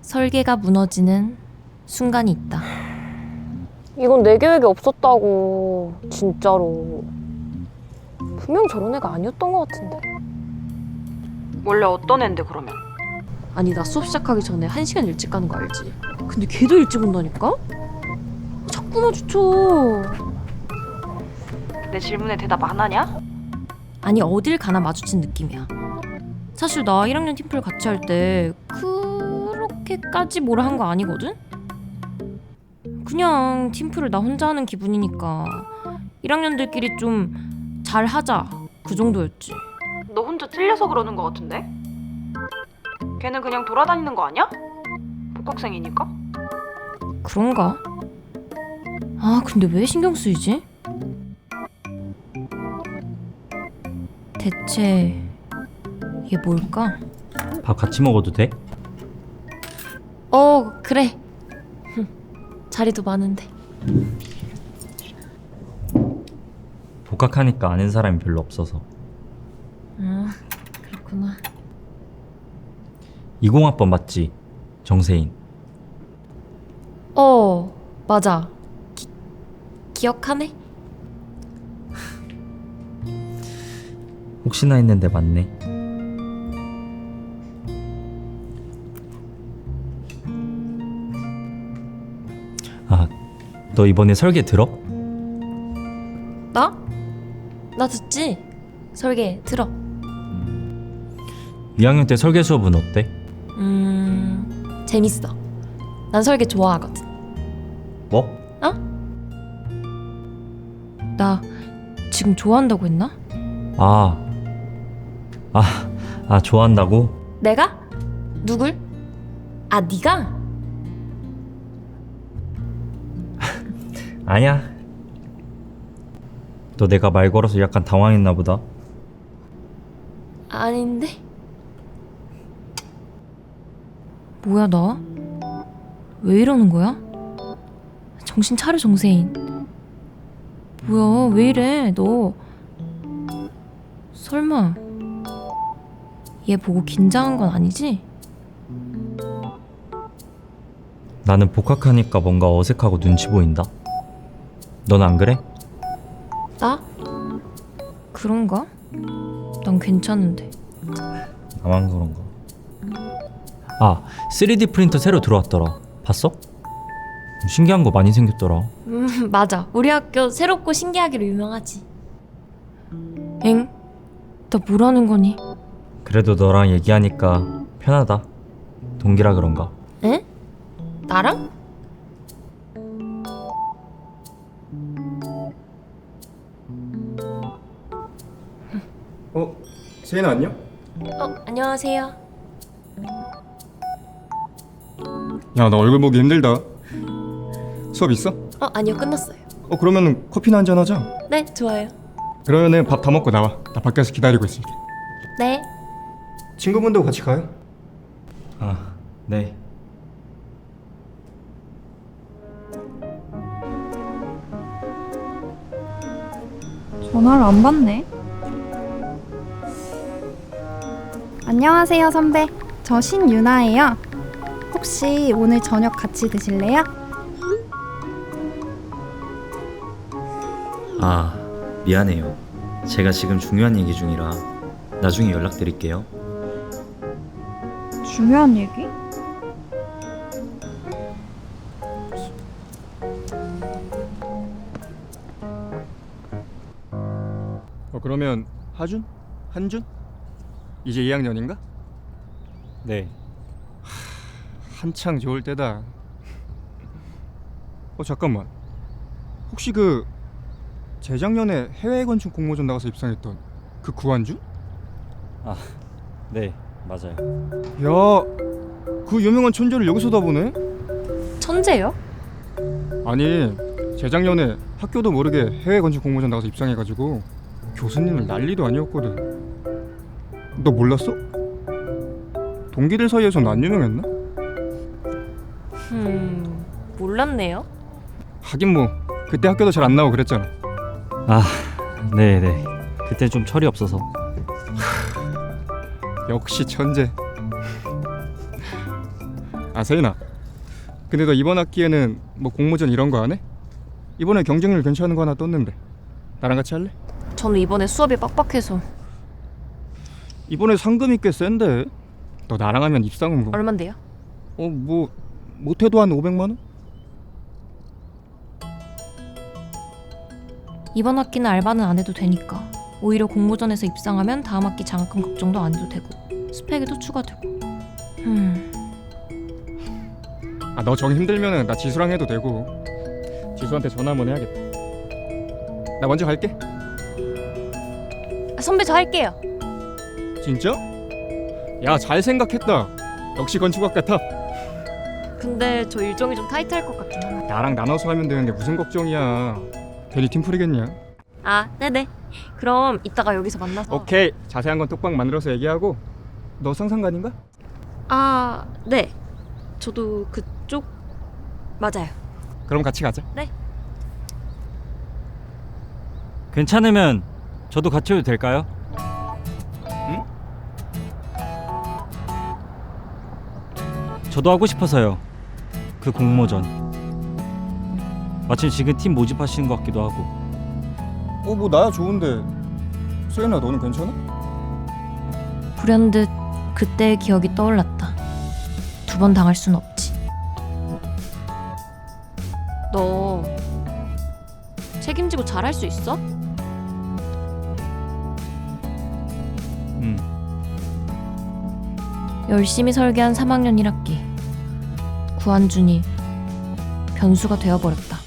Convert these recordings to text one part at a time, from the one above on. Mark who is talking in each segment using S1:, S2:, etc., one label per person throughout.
S1: 설계가 무너지는 순간이 있다.
S2: 이건 내 계획에 없었다고. 진짜로. 분명 저런 애가 아니었던 것 같은데.
S3: 원래 어떤 앤데 그러면?
S1: 아니 나 수업 시작하기 전에 1시간 일찍 가는 거 알지? 근데 걔도 일찍 온다니까? 자꾸 마주쳐.
S3: 내 질문에 대답 안 하냐?
S1: 아니 어딜 가나 마주친 느낌이야. 사실 나 1학년 팀플 같이 할 때 그렇게까지 뭐라 한 거 아니거든? 그냥 팀플을 나 혼자 하는 기분이니까 1학년들끼리 좀 잘하자 그 정도였지.
S3: 너 혼자 찔려서 그러는 거 같은데? 걔는 그냥 돌아다니는 거 아니야? 복학생이니까?
S1: 그런가? 아 근데 왜 신경 쓰이지? 대체 얘 뭘까?
S4: 밥 같이 먹어도 돼?
S1: 그래. 자리도 많은데.
S4: 복학하니까 아는 사람이 별로 없어서.
S1: 그렇구나.
S4: 20학번 맞지? 정세인.
S1: 맞아. 기억하네?
S4: 혹시나 했는데 맞네. 아, 너 이번에 설계 들어?
S1: 나? 나 듣지? 설계 들어.
S4: 2학년 때 설계 수업은 어때?
S1: 재밌어. 난 설계 좋아하거든.
S4: 뭐?
S1: 나 지금 좋아한다고 했나?
S4: 좋아한다고?
S1: 내가? 누굴? 아, 네가?
S4: 아니야. 너 내가 말 걸어서 약간 당황했나 보다.
S1: 아닌데? 뭐야 나? 왜 이러는 거야? 정신 차려 정세인. 뭐야 왜 이래 너. 설마 얘 보고 긴장한 건 아니지?
S4: 나는 복학하니까 뭔가 어색하고 눈치 보인다. 넌 안 그래?
S1: 나? 그런가? 난 괜찮은데.
S4: 나만 그런가? 3D 프린터 새로 들어왔더라. 봤어? 신기한 거 많이 생겼더라.
S1: 맞아. 우리 학교 새롭고 신기하기로 유명하지. 엥? 나 뭐라는 거니?
S4: 그래도 너랑 얘기하니까 편하다. 동기라 그런가?
S1: 응? 나랑?
S5: 세인아 안녕?
S1: 안녕하세요.
S5: 야, 나 얼굴 보기 힘들다. 수업 있어?
S1: 아니요 끝났어요.
S5: 그러면은 커피나 한잔 하자.
S1: 네 좋아요.
S5: 그러면은 밥 다 먹고 나와. 나 밖에서 기다리고 있을게.
S1: 네.
S5: 친구분도 같이 가요?
S4: 네.
S6: 전화를 안 받네. 안녕하세요, 선배. 저 신유나예요. 혹시 오늘 저녁 같이 드실래요?
S4: 미안해요. 제가 지금 중요한 얘기 중이라 나중에 연락드릴게요.
S6: 중요한 얘기?
S5: 그러면 하준? 한준? 이제 2학년인가?
S4: 네.
S5: 한창 좋을 때다. 잠깐만. 혹시 재작년에 해외 건축 공모전 나가서 입상했던 그 구한준?
S4: 네, 맞아요.
S5: 야, 그 유명한 천재를 여기서 다 보네?
S1: 천재요?
S5: 아니, 재작년에 학교도 모르게 해외 건축 공모전 나가서 입상해가지고 교수님을 난리도 아니었거든. 너 몰랐어? 동기들 사이에선 안 유명했나?
S1: 몰랐네요.
S5: 하긴 뭐 그때 학교도 잘 안 나오고 그랬잖아.
S4: 네네. 그때 좀 철이 없어서.
S5: 역시 천재. 아 세인아, 근데 너 이번 학기에는 뭐 공모전 이런 거 안 해? 이번에 경쟁률 괜찮은 거 하나 떴는데 나랑 같이 할래?
S1: 저는 이번에 수업이 빡빡해서.
S5: 이번에 상금이 꽤 센데 너 나랑 하면 입상은 뭐
S1: 얼만데요?
S5: 뭐 못해도 한 500만 원?
S1: 이번 학기는 알바는 안 해도 되니까 오히려 공모전에서 입상하면 다음 학기 장학금 걱정도 안 해도 되고 스펙에도 추가되고.
S5: 아 너 정 힘들면은 나 지수랑 해도 되고. 지수한테 전화 한번 해야겠다. 나 먼저 갈게.
S1: 선배 저 할게요.
S5: 진짜? 야 잘 생각했다. 역시 건축학 같아.
S1: 근데 저 일정이 좀 타이트할 것 같긴 하네.
S5: 나랑 나눠서 하면 되는데 무슨 걱정이야. 괜히 팀플이겠냐.
S1: 아 네네. 그럼 이따가 여기서 만나서.
S5: 오케이, 자세한 건 톡방 만들어서 얘기하고. 너 상상관인가?
S1: 아 네. 저도 그쪽 맞아요.
S5: 그럼 같이 가자.
S4: 괜찮으면 저도 같이 해도 될까요?
S5: 응?
S4: 저도 하고 싶어서요. 그 공모전. 마침 지금 팀 모집하시는 것 같기도 하고.
S5: 뭐 나야 좋은데. 세인아 너는 괜찮아?
S1: 불현듯 그때의 기억이 떠올랐다. 두 번 당할 순 없지. 너 책임지고 잘할 수 있어? 열심히 설계한 3학년 1학기. 구한준이 변수가 되어버렸다.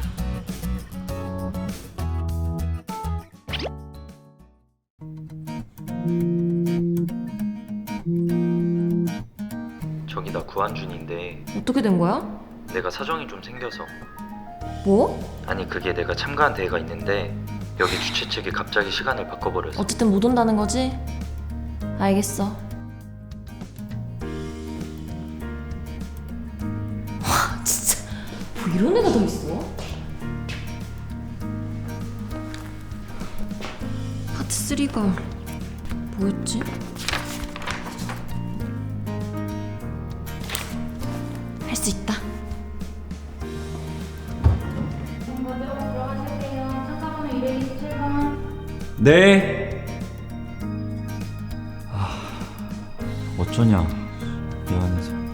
S4: 저기 나 구한준인데
S1: 어떻게 된 거야?
S4: 내가 사정이 좀 생겨서.
S1: 뭐?
S4: 아니 그게 내가 참가한 대회가 있는데 여기 주최 측이 갑자기 시간을 바꿔버려서.
S1: 어쨌든 못 온다는 거지? 알겠어. 와 진짜 뭐 이런 애가 더 있어? 파트 3가 뭐였지? 할 수 있다.
S4: 네. 어쩌냐 미안해서.